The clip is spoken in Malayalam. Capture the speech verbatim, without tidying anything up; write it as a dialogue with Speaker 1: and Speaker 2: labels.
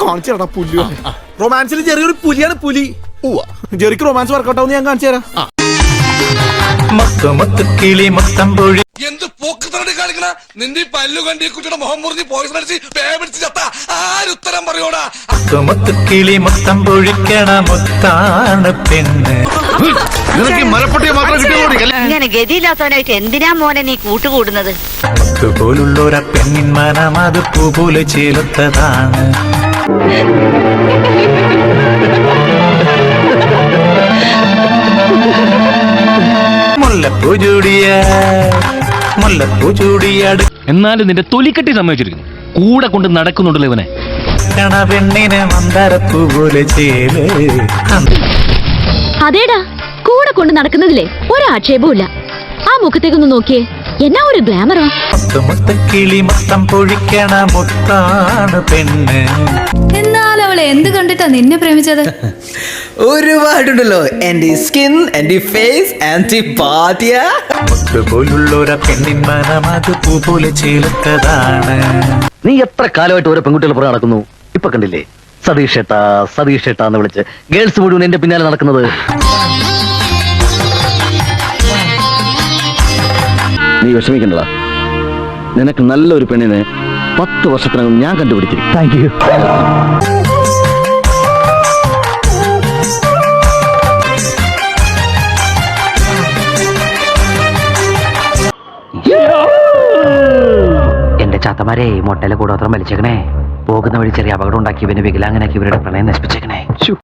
Speaker 1: കാണിച്ചു പുലി റൊമാൻസിൽ ചെറിയൊരു പുലിയാണ് പുലി. ജെറിക്ക് റൊമാൻസ് വർക്കൗട്ട് ആവുന്ന ഞാൻ കാണിച്ചു തരാം.
Speaker 2: എന്ത് പോക്കത്തടി കാണിക്കണ നിന്റെ പല്ലു കണ്ടി കുട്ടിയുടെ മുഖം മുറിഞ്ഞ് പോയിസൺ അടിച്ച് പേടിച്ച് ചത്ത ആരുത്തരം പറയോടാ.
Speaker 3: കിളി മൊത്തം പൊഴിക്കണ മുത്താണ് പെണ്ണ്.
Speaker 4: ഇങ്ങനെ ഗതിയില്ലാത്തവനായിട്ട് എന്തിനാ മോനെ നീ കൂട്ടുകൂടുന്നത്?
Speaker 3: പോലുള്ളൊരു പെണ്ണിൻ മനം അത് പൂപോലെ ചേലത്തതാണ്. മുല്ലപ്പൂ ചൂടിയ മുല്ലപ്പൂ ചൂടിയാട്.
Speaker 5: എന്നാലും നിന്റെ തൊലിക്കെട്ടി സമ്മതിച്ചിരിക്കുന്നു. കൂടെ കൊണ്ട് നടക്കുന്നുണ്ടല്ലോ ഇവനെ.
Speaker 3: പെണ്ണിനെ മന്ദരപ്പൂ പോലെ ചേല്.
Speaker 6: അതേടാ, കൂടെ കൊണ്ട് നടക്കുന്നതില്ലേ ഒരാക്ഷേപവും ഇല്ല. ആ മുഖത്തേക്കൊന്ന് നോക്കിയേ, എന്നാ ഒരു ഗ്ലാമറോ.
Speaker 3: കിളി മൊത്തം പൊഴിക്കണ മുത്താണ് പെണ്ണ്.
Speaker 7: എന്നാൽ അവളെ എന്ത് കണ്ടിട്ടാ നിന്നെ പ്രേമിച്ചത്?
Speaker 8: ഒരുപാടുണ്ടല്ലോ. എന്റെ സ്കിൻ, എന്റെ ഫേസ്, എന്റെ പാതിയ
Speaker 3: പോലുള്ളൊരു പെണ്ണിൻ മനം അത് പൂ പോലെ ചേലത്തതാണ്.
Speaker 9: നീ എത്ര കാലമായിട്ട് ഓരോ പെൺകുട്ടികൾ പുറകെ നടക്കുന്നു. ഇപ്പൊ കണ്ടില്ലേ, സതീഷ് ഏട്ടാ സതീഷ് ഏട്ടാ എന്ന് വിളിച്ച് ഗേൾസ് മുഴുവൻ എന്റെ പിന്നാലെ നടക്കുന്നത്. നീ വിഷമിക്കണ്ടടാ, നിനക്ക് നല്ലൊരു പെണ്ണിനെ പത്ത് വർഷത്തിനകം ഞാൻ കണ്ടുപിടിച്ചിരിക്കും. Thank you. എന്റെ ചാത്തമാരെ മൊട്ടയിലെ കൂടോത്രം വലിച്ചേക്കണേ. പോകുന്ന വഴി ചെറിയ അപകടം ഉണ്ടാക്കി ഇവന് വികലാങ്ങനാക്കി ഇവരുടെ പ്രണയം നശിപ്പിച്ചേക്കണേ.